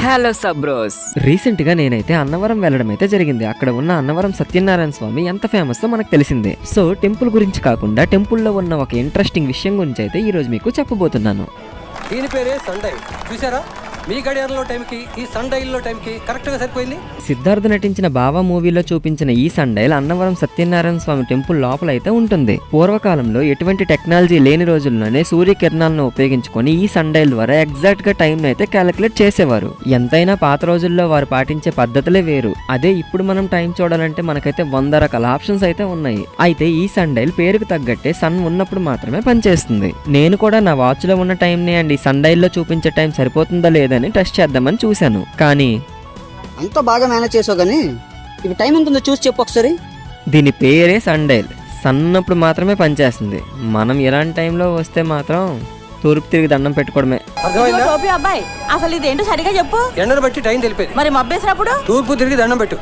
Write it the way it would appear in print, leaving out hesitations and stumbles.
Hello సబ్రోస్. Recent గా నేనైతే అన్నవరం వెళ్ళడం అయితే జరిగింది. అక్కడ ఉన్న అన్నవరం సత్యనారాయణ స్వామి ఎంత ఫేమస్ మనకు తెలిసిందే. సో టెంపుల్ గురించి కాకుండా టెంపుల్లో ఉన్న ఒక ఇంట్రెస్టింగ్ విషయం గురించి అయితే ఈ రోజు మీకు చెప్పబోతున్నాను. దీని పేరే సన్ డైల్. చూసారా, మీ గడియారంలో టైంకి ఈ సన్ డైల్లో టైంకి కరెక్ట్గా సరిపోయింది. సిద్ధార్థ్ నటించిన బావా మూవీలో చూపించిన ఈ sundial Annavaram Satyanarayana Swamy temple లోపల అయితే ఉంటుంది. పూర్వకాలంలో ఎటువంటి టెక్నాలజీ లేని రోజుల్లోనే సూర్యకిరణాలను ఉపయోగించుకొని ఈ సన్ డైల్ ద్వారా ఎగ్జాక్ట్ గా టైం అయితే క్యాలిక్యులేట్ చేసేవారు. ఎంతైనా పాత రోజుల్లో వారు పాటించే పద్ధతులే వేరు. అదే ఇప్పుడు మనం టైం చూడాలంటే మనకైతే 100 రకాల ఆప్షన్స్ అయితే ఉన్నాయి. అయితే ఈ సన్ డైల్ పేరుకు తగ్గట్టే సన్ ఉన్నప్పుడు మాత్రమే పనిచేస్తుంది. నేను కూడా నా వాచ్ లో ఉన్న టైం ని అండ్ ఈ సన్ డైల్ లో చూపించే టైం సరిపోతుందా లేదని టెస్ట్ చేద్దామని చూశాను. కానీ అంతా బాగా మేనేజ్ చేసావు, కానీ ఇప్పుడు టైం ఎంత ఉందో చూసి చెప్పు ఒకసారి. దీని పేరే సన్ డైల్. సన్ ఉన్నప్పుడు మాత్రమే పనిచేస్తుంది. మనం ఇలాంటి టైంలో వస్తే మాత్రం తూర్పు తిరిగి దండం పెట్టుకోవడమే. అర్థమైందా? అబ్బాయి అసలు ఇదేంటో సరిగా చెప్పు. ఎండను బట్టి టైం తెలిపేది. మరి మబ్బేసినప్పుడు తూర్పు తిరిగి దండం పెట్టు.